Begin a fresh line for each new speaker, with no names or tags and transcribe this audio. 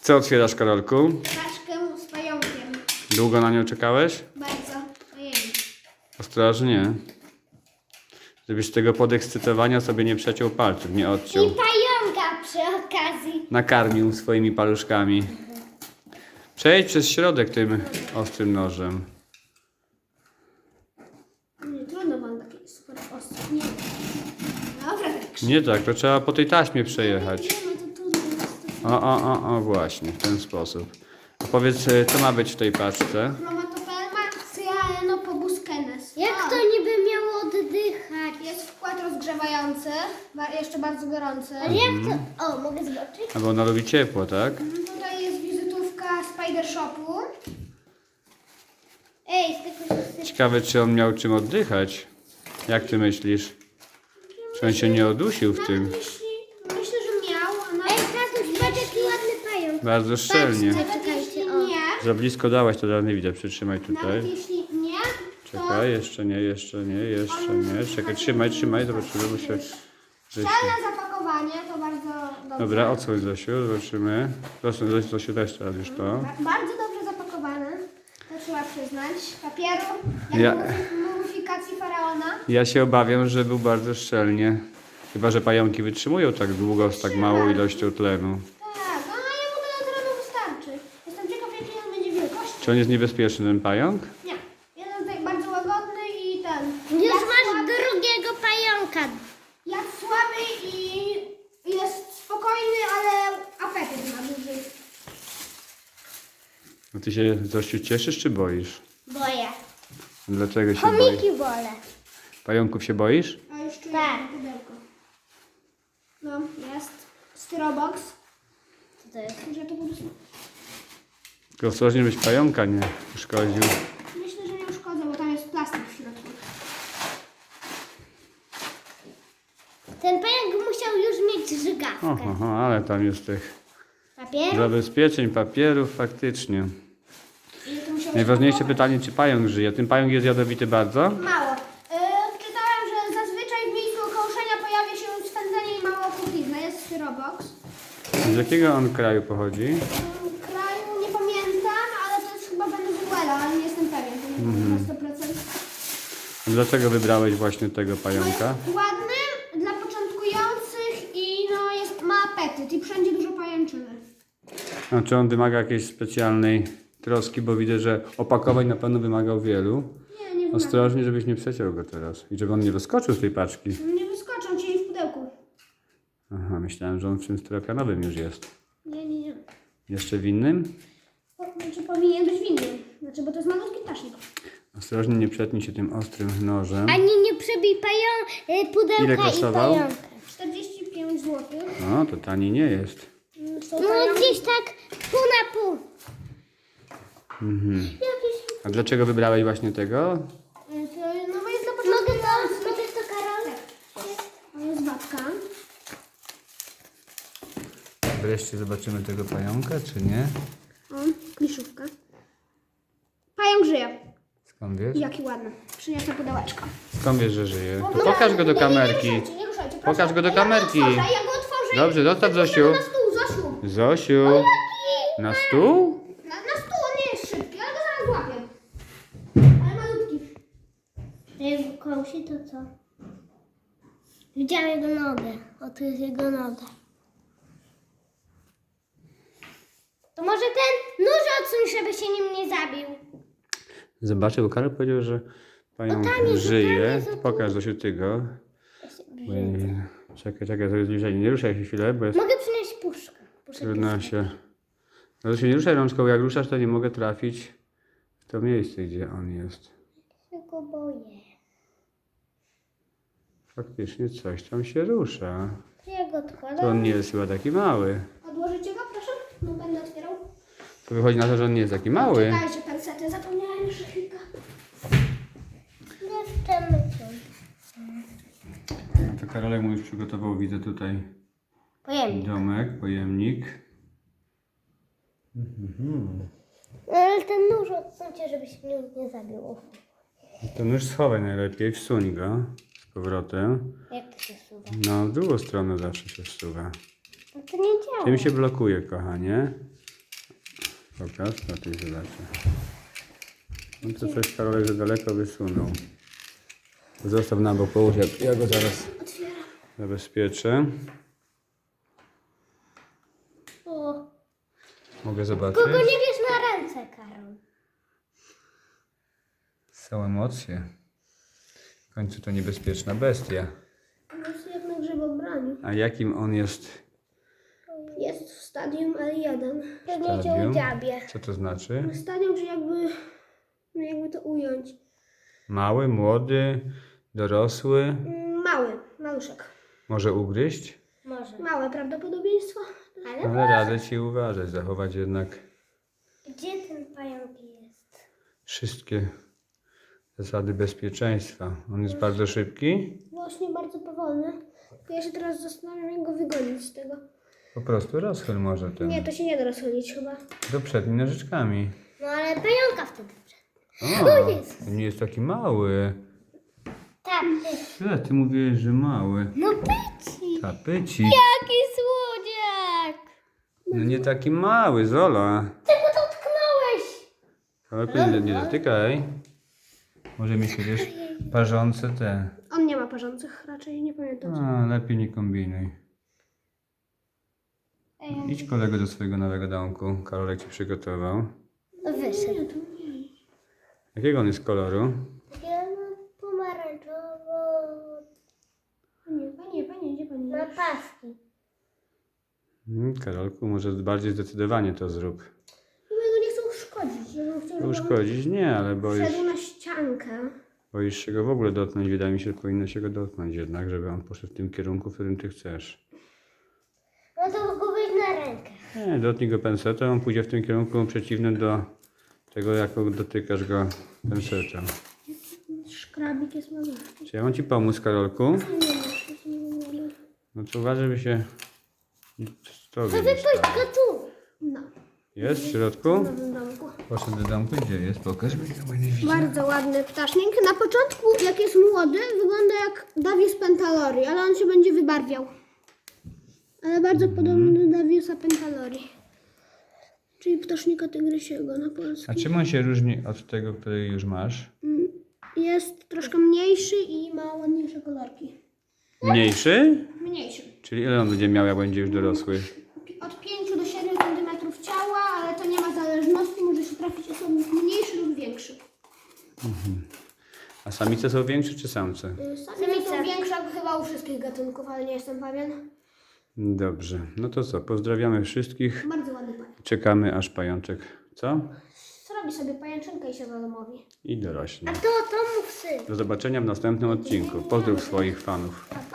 Co otwierasz, Karolku?
Paczkę z pająkiem.
Długo na nią czekałeś?
Bardzo. Ojej.
Ostrożnie. Żebyś tego podekscytowania sobie nie przeciął palców, nie
I
odciął.
pająka przy okazji.
Nakarmił swoimi paluszkami. Przejdź przez środek tym ostrym nożem.
Nie, trudno mam taki super ostry. Nie. Dobra, tak.
Nie tak, to trzeba po tej taśmie przejechać.
Nie, no to trudno jest.
O, właśnie, w ten sposób. A powiedz, co ma być w tej paczce?
Chromatopelma cyanophobuscenes.
Jak to niby miało oddychać?
Jest wkład rozgrzewający, jeszcze bardzo gorący.
Ale jak to? O, mogę zobaczyć?
A bo ona lubi ciepło, tak?
Tutaj jest wizytówka Spider Shopu.
Ej, z tego się
Ciekawe, czy on miał czym oddychać. Jak ty myślisz? Czy on się nie odusił w tym?
Myślę, że miał, a nawet
Ej, tatuś, patrz jaki ładny pająk.
Bardzo szczelnie.
nawet jeśli nie,
Za blisko dałaś, to dalej nie widzę. Przytrzymaj
nawet
tutaj.
jeśli nie, to
Czekaj, jeszcze nie. Czekaj, trzymaj, zobaczymy, bo się...
szczelne zapakowanie to bardzo dobrze.
Dobra, odsłoń Zosiu, zobaczymy. Zosiu, też teraz już to.
Bardzo dobrze zapakowane, to trzeba przyznać. Papieru, jak
Ja-
mumifikacji faraona.
Ja się obawiam, że był bardzo szczelnie. Chyba, że pająki wytrzymują tak długo z tak małą ilością tlenu.
Tak, a jemu tyle terenu wystarczy. Jestem ciekaw, jaki on będzie wielkości.
Czy on jest niebezpieczny, ten pająk?
Nie, jeden tutaj bardzo łagodny i ten.
Już
jak
masz
słaby,
drugiego pająka.
jak słaby i jest spokojny, ale apetyt ma duży.
No ty się, Zosiu, cieszysz czy boisz?
Boję.
Dlaczego się boisz?
Chomiki wolę.
Pająków się boisz?
A już czuję
Tak.
pudełko. No, jest. Styrobox.
Co to jest?
Że to po prostu...
Tylko ostrożnie, byś pająka nie uszkodził.
Myślę, że nie uszkodzę, bo tam jest plastik w środku.
Ten pająk musiał już mieć żygawkę.
Oho, ale tam jest tych
Papier?
zabezpieczeń, papierów faktycznie.
I to musiało się
Najważniejsze
pakować.
pytanie, czy pająk żyje? Ten pająk jest jadowity bardzo?
Mało. Czytałem, że zazwyczaj w miejscu okołuszenia pojawia się swędzenie i mała opuchlizna. Jest styrobox.
Z jakiego on kraju pochodzi?
Kraju nie pamiętam, ale to jest chyba Wenezuela, ale nie jestem pewien. To nie wiem na 100%.
A dlaczego wybrałeś właśnie tego pająka?
Ładny dla początkujących i no ma apetyt i wszędzie dużo pajęczyny.
A czy on wymaga jakiejś specjalnej troski, bo widzę, że opakowań na pewno wymagał wielu.
Nie wymaga.
Ostrożnie, żebyś nie przeciął go teraz. I żeby on nie wyskoczył z tej paczki.
Nie wyskoczą ci w pudełku.
Aha, myślałem, że on w czymś styropianowym już jest.
Nie.
Jeszcze w innym?
Znaczy powinien być w innym. Znaczy, bo to jest malutki ptasznik.
Ostrożnie, nie przetnij się tym ostrym nożem.
Ani nie przebij pudełka
Ile
i
kosztował?
pająka.
45 zł.
No, to tani nie jest.
Są
No
pająki.
gdzieś tak pół na pół. Jakiś...
A dlaczego wybrałeś właśnie tego?
No jest dla
Mogę
początkujących.
to, Karol?
To jest babka.
Wreszcie zobaczymy tego pająka, czy nie?
O, kliszówka. Pająk żyje.
Skąd wiesz?
Jaki ładny. Przyniosę pudełeczko.
Skąd wiesz, że żyje? To pokaż go do kamerki.
Nie ruszajcie, proszę.
Pokaż go do kamerki.
Ja go otworzę.
Dobrze, zostaw Zosiu.
Na stół, Zosiu.
Zosiu. Na stół?
Na stół, on nie jest szybki, ale go zaraz złapię. Ale malutki.
Jak go kąsi, to co? Widziałam jego nogę. O, tu jest jego noga. To może ten nóż odsuń, żeby się nim nie zabił.
Zobaczę, bo Karol powiedział, że pająk
tam jest,
żyje.
tam jest.
Pokaż Zosiu ty go. Czekaj, to jest zbliżenie. Nie ruszaj się chwilę, bo jest
Mogę przynieść puszkę.
trudno się... No Zosiu, nie ruszaj rączką, jak ruszasz, to nie mogę trafić w to miejsce, gdzie on jest.
Ja go boję.
Faktycznie coś tam się rusza.
Ja go
To
odkładam.
on nie jest chyba taki mały.
Odłożycie go, proszę? No będę otwierał.
To wychodzi na to, że on nie jest taki mały.
Czekajcie, pensety, zapomniałem już chwilkę.
Jeszcze mycią.
To Karolek mu już przygotował, widzę tutaj
Pojemnik.
domek, pojemnik.
No, ale ten nóż odsuńcie, żeby się nim nie zabił.
To nóż schowaj najlepiej, wsuń go z powrotem.
Jak to się suwa?
No, w drugą stronę zawsze się wsuwa.
No to nie działa.
Tym się blokuje, kochanie. Pokaż, na tej zobaczę. No to coś Karolek za daleko wysunął. Zostaw na bok, połóż, ja go zaraz
Otwieram.
zabezpieczę.
O.
Mogę zobaczyć?
Kogo nie bierz na ręce, Karol?
Są emocje. W końcu to niebezpieczna bestia.
Jest jak na grzybobraniu.
A jakim on jest
Jest w stadium L1.
Pewnie cię
stadium?
udziabie.
Co to znaczy?
Stadium, czy jakby... No jakby to ująć.
Mały, młody, dorosły?
Maluszek.
Może ugryźć?
Może.
Małe prawdopodobieństwo.
Ale radzę ci uważać, zachować jednak
Gdzie ten pająk jest?
wszystkie zasady bezpieczeństwa. On jest bardzo szybki.
Właśnie bardzo powolny. Ja się teraz zastanawiam, jak go wygonić z tego.
Po prostu rozchyl może ten.
Nie, to się nie da rozchodzić chyba.
Do przednimi nożyczkami.
No ale pająka wtedy
O, nie jest taki mały.
Tak.
Ile ty mówiłeś, że mały?
No pyci.
Tapyci.
Jaki słodziak.
No nie taki mały, Zola.
Czego dotknąłeś?
Ale nie dotykaj. Może mi się, wiesz, parzące te.
On nie ma parzących, raczej nie pamiętam.
A, lepiej nie kombinuj. Idź kolego do swojego nowego domku. Karolek ci przygotował.
Wyszedł.
Jakiego on jest koloru?
Ja mam pomarańczowo.
Panie, gdzie pani
Ma
jest?
paski.
Karolku, może bardziej zdecydowanie to zrób.
No ja go nie chcę uszkodzić. Ja bym chciał, żeby on
Uszkodzić? Nie, ale
wszedł na ściankę.
boisz się go w ogóle dotknąć. Wydaje mi się, że powinno się go dotknąć jednak, żeby on poszedł w tym kierunku, w którym ty chcesz.
No to go weź na rękę.
Nie, dotknij go pensetem, on pójdzie w tym kierunku przeciwnym do tego, jak dotykasz go pensetem.
Szkrabik jest malutki.
Czy ja mam ci pomóc, Karolku?
Nie wiem.
No to uważaj, żeby się tobie
To
nie
wypuść
stało.
go tu.
No,
Jest w środku?
w nowym domku.
Poszedł do domku, gdzie jest? Pokaż mi, ja nie widzę.
Bardzo ładny ptasznik. Na początku, jak jest młody, wygląda jak Davies pentalori, ale on się będzie wybarwiał. Ale bardzo podobny do Daviesa pentalori. Czyli ptasznika tygrysiego na
A
polski.
czym on się różni od tego, który już masz?
Jest troszkę mniejszy i ma ładniejsze kolorki.
Mniejszy?
Mniejszy.
Czyli ile on będzie miał, jak będzie już dorosły?
Od 5 do 7 cm ciała, ale to nie ma zależności. Może się trafić osobnik mniejszy lub większy.
A samice są większe czy samce?
Samice są większe chyba u wszystkich gatunków, ale nie jestem pewien.
Dobrze, no to co? Pozdrawiamy wszystkich.
Bardzo ładny pająk.
Czekamy, aż pajączek, co?
Zrobi sobie pajęczynkę i się zadomowi.
I dorośnie.
To mów syn.
Do zobaczenia w następnym odcinku. Pozdrów swoich fanów.